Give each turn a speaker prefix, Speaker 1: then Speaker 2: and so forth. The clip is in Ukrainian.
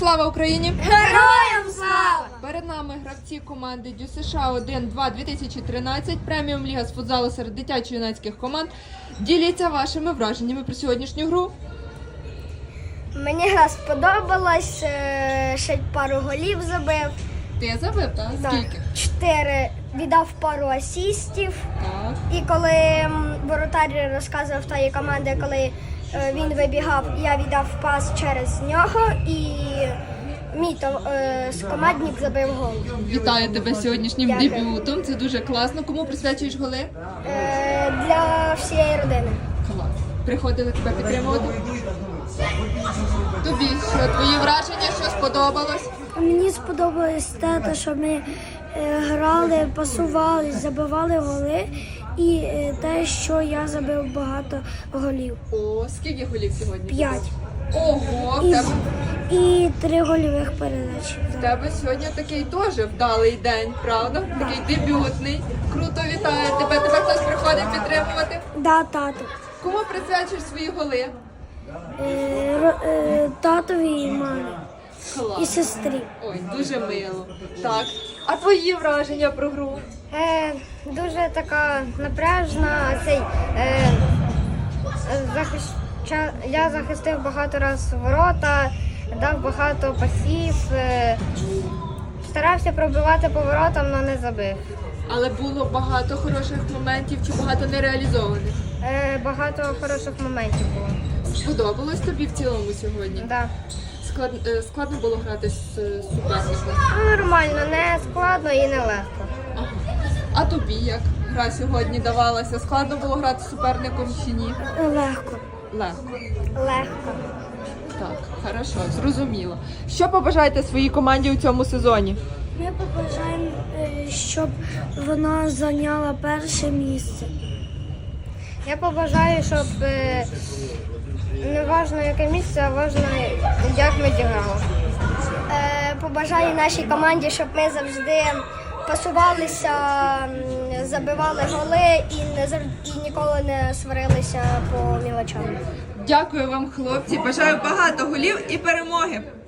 Speaker 1: Слава Україні!
Speaker 2: Героям слава!
Speaker 1: Перед нами гравці команди Дю США 1-2 2013, преміум ліга з футзалу серед дитячо-юнацьких команд. Діліться вашими враженнями про сьогоднішню гру.
Speaker 2: Мені гра сподобалась, ще пару голів забив.
Speaker 1: Ти забив, так? Скільки?
Speaker 2: 4, віддав пару асістів.
Speaker 1: Так.
Speaker 2: І коли воротар розказував тої команди, коли він вибігав, я віддав пас через нього і мій командник забив гол.
Speaker 1: Вітаю тебе з сьогоднішнім
Speaker 2: Дякую.
Speaker 1: дебютом. Це дуже класно. Кому присвячуєш голи?
Speaker 2: Для всієї родини.
Speaker 1: Клас. Приходили тебе підтримувати? Тобі що? Твої враження, що сподобалось?
Speaker 2: Мені сподобалось те, що ми грали, пасували, забивали голи, і те, що я забив багато голів.
Speaker 1: О, скільки голів сьогодні?
Speaker 2: 5.
Speaker 1: Ого, в тебе,
Speaker 2: І 3 гольових передачі.
Speaker 1: в тебе сьогодні такий теж вдалий день, правда? Такий дебютний. Круто, вітаю тебе. Тебе хтось приходить підтримувати?
Speaker 2: Да, тато.
Speaker 1: Кому присвячуєш свої голи?
Speaker 2: Татові і мамі. І
Speaker 1: Клас.
Speaker 2: сестрі.
Speaker 1: Ой, дуже мило. Так. А твої враження про гру?
Speaker 2: Дуже така напряжна. Я захистив багато разів ворота, дав багато пасів, старався пробивати по воротам, але не забив.
Speaker 1: Але було багато хороших моментів чи багато нереалізованих?
Speaker 2: Багато хороших моментів було.
Speaker 1: Сподобалось тобі в цілому сьогодні?
Speaker 2: Да.
Speaker 1: Складно було грати з суперником?
Speaker 2: Нормально, не складно і не легко.
Speaker 1: Ага. А тобі як гра сьогодні давалася? Складно було грати з суперником чи ні?
Speaker 2: Легко.
Speaker 1: Легко.
Speaker 2: Легко.
Speaker 1: Так, хорошо, зрозуміло. Що побажаєте своїй команді у цьому сезоні?
Speaker 2: Ми побажаємо, щоб вона зайняла перше місце. Я побажаю, щоб не важливо яке місце, а важливо, як ми зіграли. Побажаю нашій команді, щоб ми завжди пасувалися, забивали голи і ніколи не сварилися по мілочам.
Speaker 1: Дякую вам, хлопці. Бажаю багато голів і перемоги.